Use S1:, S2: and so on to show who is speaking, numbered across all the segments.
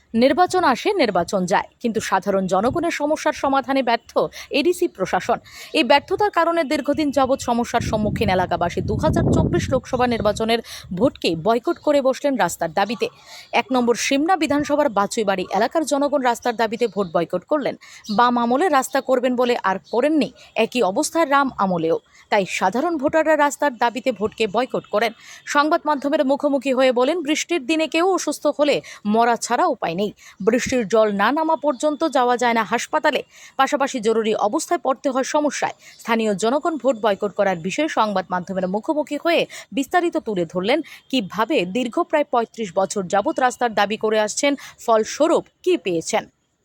S1: নির্বাচন আসে, নির্বাচন যায়, কিন্তু সাধারণ জনগণের সমস্যার সমাধানে ব্যর্থ এডিসি প্রশাসন। এই ব্যর্থতার কারণে দীর্ঘদিন যাবৎ সমস্যার সম্মুখীন এলাকাবাসী 2024 লোকসভা নির্বাচনের ভোটকে বয়কট করে বসলেন রাস্তার দাবিতে। 1 নম্বর সিমনা বিধানসভার বাছুইবাড়ি এলাকার জনগণ রাস্তার দাবিতে ভোট বয়কট করলেন। বাম আমলে রাস্তা করবেন বলে আর করেননি, একই অবস্থায় রাম আমলেও। তাই সাধারণ ভোটাররা রাস্তার দাবিতে ভোটকে বয়কট করেন। সংবাদ মাধ্যমের মুখোমুখি হয়ে বলেন, বৃষ্টির দিনে কেউ অসুস্থ হলে মরা ছাড়া উপায় নেই। বৃষ্টির জল না নামা পর্যন্ত যাওয়া যায় না হাসপাতালে, পাশাপাশি জরুরি অবস্থায় পড়তে হয় সমস্যায়। স্থানীয় জনগণ ভোট বয়কট করার বিষয়ে সংবাদ মাধ্যমের মুখোমুখি হয়ে বিস্তারিত তুলে ধরলেন কিভাবে দীর্ঘ প্রায় 35 বছর যাবৎ রাস্তার দাবি করে আসছেন, ফলস্বরূপ কি পেয়েছেন।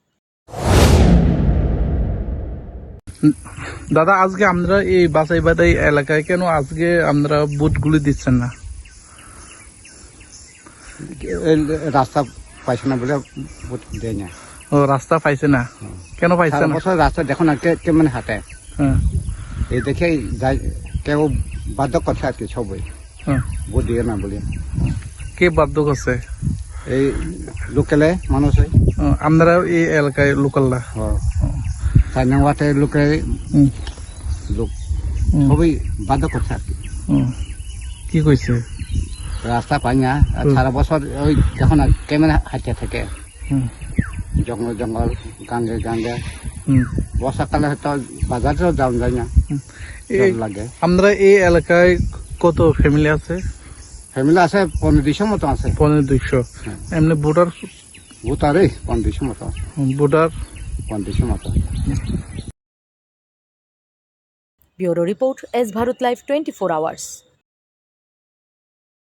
S2: দাদা, আজকে আমরা এই বাছাইবাড়ি এলাকায় কেন আজকে আমরা বুথগুলি দিচ্ছেন না?
S3: রাস্তা পাইছে না বলে ভোট দেয় না।
S2: ও, রাস্তা পাইছে না? কেন পাইছে না?
S3: রাস্তা দেখো না কেমন হাঁটে,
S2: হ্যাঁ,
S3: এই দেখে কেউ বাধ্য করছে আর কি সবাই
S2: হ্যাঁ।
S3: ভোট দিয়ে না বলে।
S2: কে বাধ্য করছে?
S3: এই লোকালে মানুষ
S2: আমরা এই এলাকায় লোকালরা
S3: 4 নং ওয়ার্ডের লোকের লোক সবাই বাধ্য করছে আর কি।
S2: কি কইছে?
S3: রাস্তা পাই না, আর সারা বছর ওই দেখো না কেমন হাঁটতে থাকে, জঙ্গল জঙ্গল, গাঙ্গে গাঙ্গে। বর্ষাকালে হয়তো বাজারেও যাওয়া যায় না, লাগে।
S2: আমরা এই এলাকায় কত ফ্যামিলি আছে?
S3: ফ্যামিলি আছে 1500 মতো আছে।
S2: 1500। এমনি ভোটার?
S3: ভোটারই 1500 মতো।
S2: ভোটার
S3: 1500 মতো।
S1: Bureau report, S Bharat live 24 hours.